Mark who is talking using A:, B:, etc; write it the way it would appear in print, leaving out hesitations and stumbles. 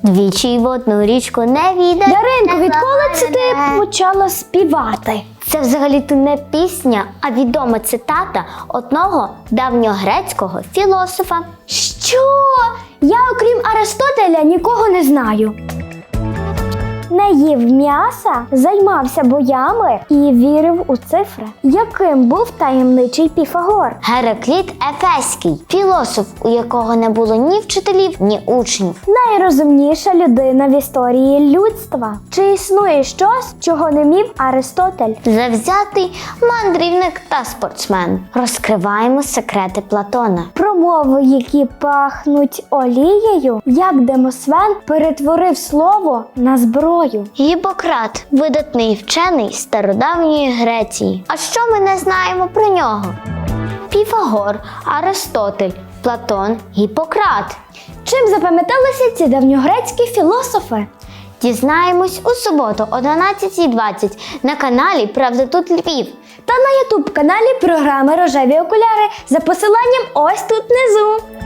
A: Двічі в одну річку не віде.
B: Даринко, відколи це ти почала співати?
A: Це взагалі-то не пісня, а відома цитата одного давньогрецького філософа.
B: Що? Я, окрім Аристотеля, нікого не знаю. Не їв м'яса, займався боями і вірив у цифри. Яким був таємничий Піфагор?
A: Геракліт Ефеський, філософ, у якого не було ні вчителів, ні учнів.
B: Найрозумніша людина в історії людства. Чи існує щось, чого не міг Аристотель?
A: Завзятий мандрівник та спортсмен. Розкриваємо секрети Платона.
B: Промови, які пахнуть олією, як Демосвен перетворив слово на зброю.
A: Гіппократ – видатний вчений стародавньої Греції. А що ми не знаємо про нього? Піфагор, Аристотель, Платон, Гіппократ.
B: Чим запам'яталися ці давньогрецькі філософи?
A: Дізнаємось у суботу о 12:20 на каналі «Правда тут Львів»
B: Та на ютуб-каналі програми «Рожеві окуляри» за посиланням ось тут внизу.